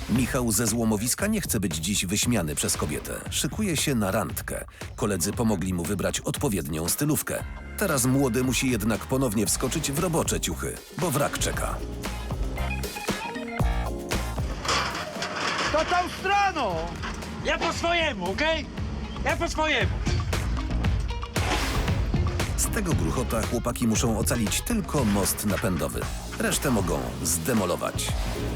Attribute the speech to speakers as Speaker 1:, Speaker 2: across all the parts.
Speaker 1: Michał ze złomowiska nie chce być dziś wyśmiany przez kobietę. Szykuje się na randkę. Koledzy pomogli mu wybrać odpowiednią stylówkę. Teraz młody musi jednak ponownie wskoczyć w robocze ciuchy, bo wrak czeka.
Speaker 2: To tą stroną!
Speaker 3: Ja po swojemu, okej? Ja po swojemu.
Speaker 1: Z tego gruchota chłopaki muszą ocalić tylko most napędowy. Resztę mogą zdemolować.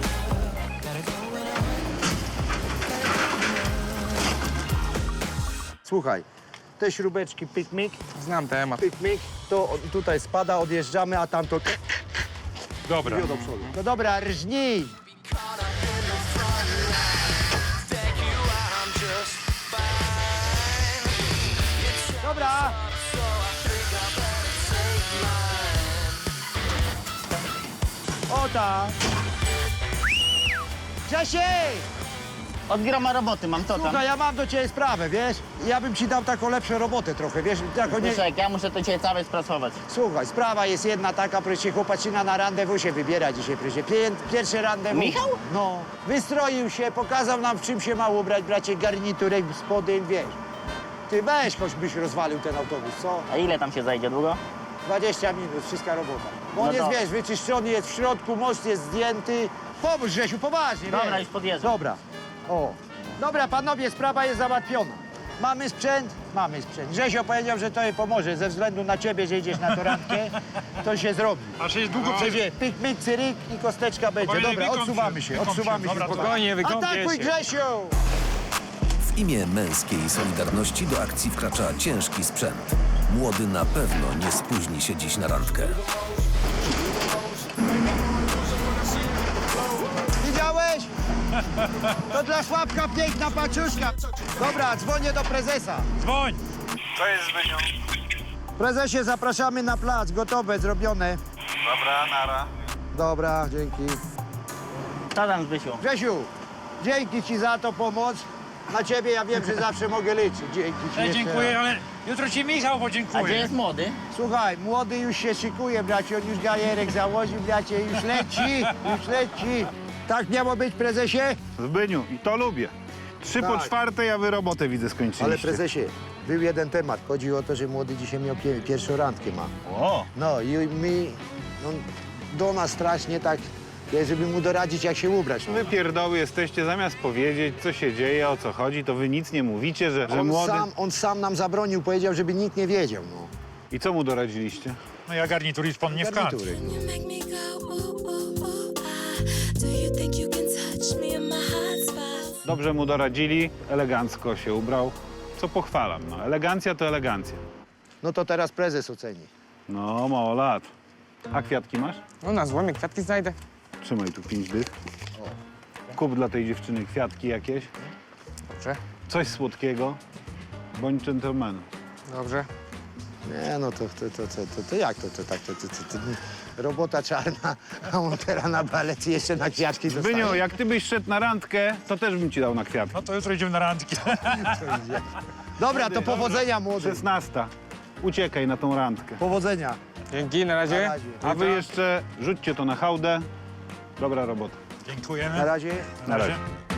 Speaker 2: Słuchaj, te śrubeczki pyk-myk,
Speaker 4: Znam temat.
Speaker 2: pyk-myk, to tutaj spada, odjeżdżamy, a tamto
Speaker 3: Dobra.
Speaker 2: do przodu. No dobra, rżnij! Dobra! O tak! Grzesiek!
Speaker 5: Od groma roboty mam, co tam?
Speaker 2: Słuchaj, ja mam do ciebie sprawę, wiesz? Ja bym ci dał taką lepszą robotę trochę, wiesz? Taką nie...
Speaker 5: Zbyszek, ja muszę to dzisiaj całe sprasować.
Speaker 2: Słuchaj, sprawa jest jedna taka, proszę, chłopaczyna na randewu się wybiera dzisiaj, proszę. Pierwsze randewu.
Speaker 5: Michał?
Speaker 2: No, wystroił się, pokazał nam, w czym się ma ubrać, bracie, garniturek, spodem, wiesz. Ty weź, choćbyś rozwalił ten autobus, co?
Speaker 5: A ile tam się zajdzie długo?
Speaker 2: 20 minut, wszystka robota. Bo on
Speaker 5: No
Speaker 2: jest,
Speaker 5: to-
Speaker 2: wiesz, wyczyszczony, jest w środku, most jest zdjęty. Pomóż, Grzesiu, poważnie,
Speaker 5: Dobra,
Speaker 2: wiesz.
Speaker 5: już podjeżdżam.
Speaker 2: Dobra, o. Dobra, panowie, sprawa jest załatwiona. Mamy sprzęt? Mamy sprzęt. Grzesio powiedział, że to jej pomoże. Ze względu na ciebie, że idziesz na tę randkę, to się zrobi.
Speaker 3: A się jest długo
Speaker 2: Będzie pyk, myk, cyryk i kosteczka będzie.
Speaker 3: Spokojnie,
Speaker 2: Dobra,
Speaker 3: wykąp
Speaker 2: odsuwamy
Speaker 3: się,
Speaker 2: się,
Speaker 3: wykąp
Speaker 2: odsuwamy
Speaker 3: się.
Speaker 2: się.
Speaker 3: Dobra, spokojnie, wykąpię
Speaker 2: Atakuj,
Speaker 3: się.
Speaker 2: Grzesiu!
Speaker 1: W imię męskiej solidarności do akcji wkracza ciężki sprzęt. Młody na pewno nie spóźni się dziś na randkę.
Speaker 2: Widziałeś? To dla Sławka piękna paczuszka. Dobra, dzwonię do prezesa.
Speaker 3: Dzwoń.
Speaker 6: Co jest, Zbyniu?
Speaker 2: Prezesie, zapraszamy na plac. Gotowe, zrobione.
Speaker 6: Dobra, nara.
Speaker 2: Dobra, dzięki.
Speaker 5: Co tam, Zbysiu?
Speaker 2: Grzesiu, dzięki ci za to pomoc. Na ciebie ja wiem, że zawsze mogę liczyć. Dzięki ci jeszcze
Speaker 3: Dziękuję,
Speaker 2: raz.
Speaker 3: ale jutro ci Michał
Speaker 5: A gdzie
Speaker 3: podziękuję.
Speaker 5: jest młody?
Speaker 2: Słuchaj, młody już się szykuje, bracie. On już gajerek założył, bracie. Już leci, już leci. Tak miało być, prezesie?
Speaker 6: Zbyniu, i to lubię. 3:45, a wy robotę widzę skończyliście.
Speaker 2: Ale prezesie, był jeden temat. Chodzi o to, że młody dzisiaj miał pierwszą randkę ma.
Speaker 6: O,
Speaker 2: No i my, no, do nas strasznie tak, żeby mu doradzić, jak się ubrać.
Speaker 6: wy pierdoły jesteście, zamiast powiedzieć, co się dzieje, o co chodzi, to wy nic nie mówicie, że młody...
Speaker 2: On sam nam zabronił, powiedział, żeby nikt nie wiedział. No.
Speaker 6: I co mu doradziliście?
Speaker 3: No ja garnitur i spodnie w kant.
Speaker 2: Garnitury.
Speaker 7: You make me go ooh ooh ooh ah. Do you think you can touch me in my hot spots?
Speaker 6: Dobrze mu doradzili, elegancko się ubrał, co pochwalam. No, elegancja to elegancja.
Speaker 2: No to teraz prezes oceni.
Speaker 6: No, mało lat. A kwiatki masz?
Speaker 4: No na złomie kwiatki znajdę.
Speaker 6: Trzymaj tu 5 dych. Kup dla tej dziewczyny kwiatki jakieś,
Speaker 4: Dobrze,
Speaker 6: coś słodkiego. Bądź dżentelmenem.
Speaker 4: dobrze.
Speaker 2: Nie, no to jak to tak, robota czarna, a on teraz na balet i jeszcze na kwiatki dostaje.
Speaker 6: Zbyniu, jak ty byś szedł na randkę, to też bym ci dał na kwiatki.
Speaker 3: No to jutro idziemy na randkę.
Speaker 2: Dobra, to powodzenia, młody.
Speaker 6: 16. Uciekaj na tą randkę.
Speaker 2: Powodzenia.
Speaker 4: Dzięki, na razie.
Speaker 2: Na razie.
Speaker 6: A wy jeszcze rzućcie to na hałdę. Dobra robota.
Speaker 3: Dziękujemy.
Speaker 2: Na razie.
Speaker 6: Na razie.